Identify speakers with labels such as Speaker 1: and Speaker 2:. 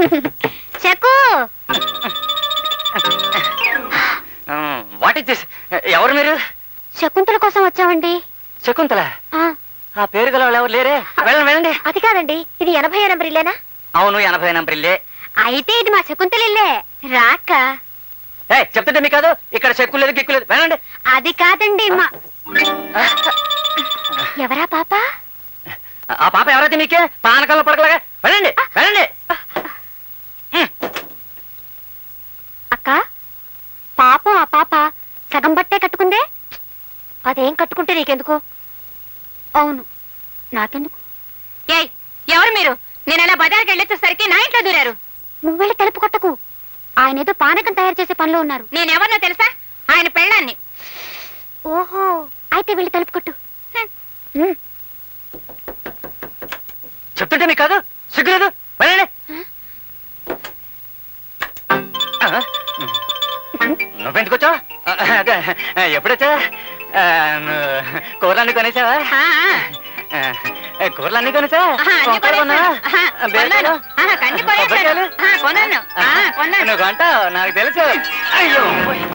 Speaker 1: Cheque
Speaker 2: what is this? ఎవరు మీరు?
Speaker 1: శకుంతల కోసం వచ్చామండి.
Speaker 2: శకుంతల? ఆ పేరు గల వాళ్ళు ఎవరు లేరే? వెళ్ళండి వెళ్ళండి.
Speaker 1: అది కాదండి, ఇది 80 నంబర్ ఇల్లేనా?
Speaker 2: అవును, 80 నంబర్ ఇల్లే.
Speaker 1: అయితే ఇది మా శకుంతల ఇల్లే. రాక
Speaker 2: చెప్తుంటే మీకు కాదు, ఇక్కడ చెక్కు లేదు గిక్కు లేదు. వెళ్ళండి.
Speaker 1: అది కాదండి మా ఎవరా పాప?
Speaker 2: ఆ పాప ఎవరైతే మీకే పానకాల్లో పడకలాగా. వెళ్ళండి వెళ్ళండి.
Speaker 1: అక్క, పాపం ఆ పాప సగం బట్టే కట్టుకుందే. అదేం కట్టుకుంటే నీకెందుకు? అవును, నాకెందుకు?
Speaker 3: ఏయ్, ఎవరు మీరు? నేను అలా బజార్కి వెళ్ళొచ్చేసరికి నా ఇంట్లో దూరారు.
Speaker 1: నువ్వు వెళ్ళి తలుపు కొట్టకు. ఆయన ఏదో పానకం తయారు చేసే పనిలో ఉన్నారు.
Speaker 3: నేనెవరినో తెలుసా? ఆయన పెళ్ళాన్ని.
Speaker 1: ఓహో, అయితే వెళ్ళి తలుపు కొట్టు.
Speaker 2: చెప్తుంటే మీకు కాదు, సిగ్గులేదు. వెళ్ళండి. నువ్వెందుకు వచ్చావు? అదే ఎప్పుడొచ్చా? కూరలన్నీ కొనేసావా? కూరలన్నీ కొనేసా? నువ్వు కొంటావు, నాకు తెలుసు. అయ్యో.